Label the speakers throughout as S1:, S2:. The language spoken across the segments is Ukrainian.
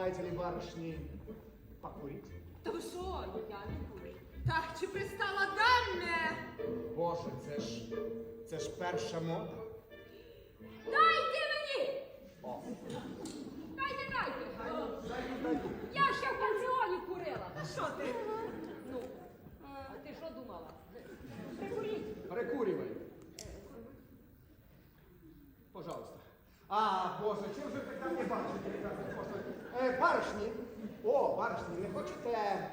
S1: желаете ли, барышни, покурить?
S2: Та ви що, я не курю. Так, чи пристала даме?
S1: Боже, це ж перша мода.
S2: Дайте мені!
S1: О,
S2: Дайте!
S1: дайте.
S2: Я ще в пансіоні курила.
S3: А що ти?
S2: Ну, а ти що думала? Прикуріть.
S1: Прикуривай. Пожалуйста. А, Боже, чим же ви там не бачите? Барышні. О, барышні, не хочете...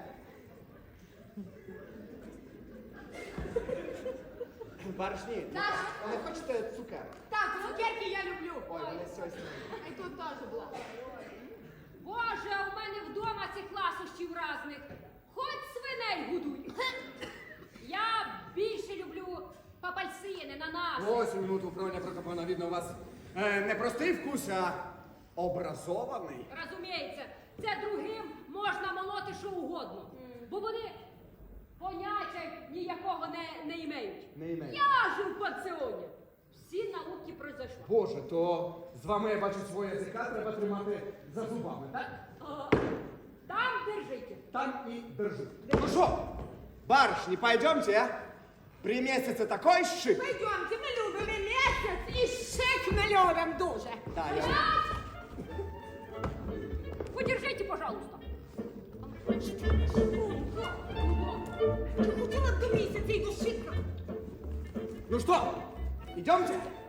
S1: Барышні,
S2: Так.
S1: не хочете цукерок?
S2: Так, цукерки я люблю.
S1: Ой, вони щось...
S2: А й тут теж була. Боже, у мене вдома цих ласощів разних. Хоч свиней годуй. Я більше люблю папальсини, нанаси.
S1: Ось минуту, Фроня Прокопівна, видно, у вас не простий вкус, а образований.
S2: Розуміється, це другим можна молоти що угодно. Бо вони поняття ніякого не імеють.
S1: Не імеють.
S2: Я ж у пансіоні. Всі науки пройшли.
S1: Боже, то з вами, я бачу, своє язика треба тримати за зубами, так?
S2: Там держите.
S1: Там і держу. Ну що, барышні, пойдемте, а? При месяце такой шик.
S3: Пойдемте, ми любимо місяць і шик ми любимо дуже.
S1: Да, я...
S2: Подержите, пожалуйста.
S3: Я хотіла б до місяця і до шика.
S1: Ну что, идемте?